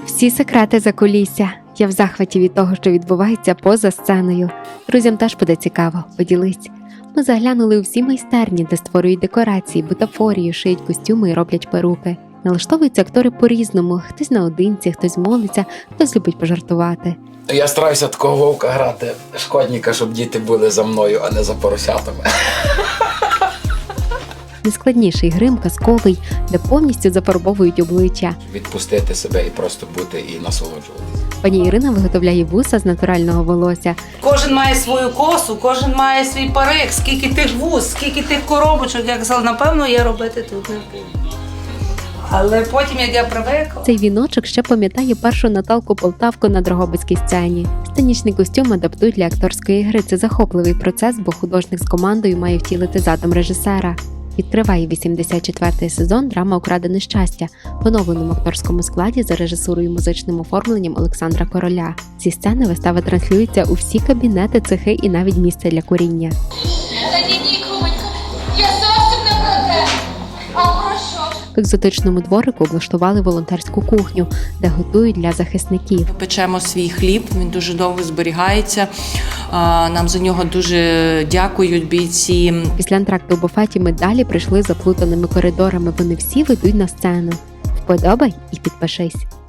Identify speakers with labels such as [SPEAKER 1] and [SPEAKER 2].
[SPEAKER 1] Всі секрети закулісся. Я в захваті від того, що відбувається поза сценою. Друзям теж буде цікаво, поділись. Ми заглянули у всі майстерні, де створюють декорації, бутафорію, шиють костюми і роблять перуки. Налаштовуються актори по-різному, хтось наодинці, хтось молиться, хтось любить пожартувати.
[SPEAKER 2] Я стараюся такого вовка грати, шкодника, щоб діти були за мною, а не за поросятами.
[SPEAKER 1] Найскладніший грим казковий, де повністю зафарбовують обличчя.
[SPEAKER 2] Відпустити себе і просто бути і насолоджуватися.
[SPEAKER 1] Пані Ірина виготовляє вуса з натурального волосся.
[SPEAKER 3] Кожен має свою косу, кожен має свій парик, скільки тих вуз, скільки тих коробочок. Я казала, напевно, я робити тут не буду. Але потім, як я привикла...
[SPEAKER 1] Цей віночок ще пам'ятає першу Наталку Полтавку на Дрогобицькій сцені. Сценічний костюм адаптують для акторської гри. Це захопливий процес, бо художник з командою має втілити задум режисера. Відкриває 84-й сезон драма «Украдене щастя» в оновленому акторському складі за режисурою і музичним оформленням Олександра Короля. Зі сцени вистава транслюється у всі кабінети, цехи і навіть місце для куріння.
[SPEAKER 4] Я зовсім не про те. А про що?
[SPEAKER 1] В екзотичному дворику облаштували волонтерську кухню, де готують для захисників.
[SPEAKER 5] Ми печемо свій хліб, він дуже довго зберігається. Нам за нього дуже дякують бійці.
[SPEAKER 1] Після антракту у буфеті ми далі прийшли заплутаними коридорами. Вони всі ведуть на сцену. Вподобай і підпишись.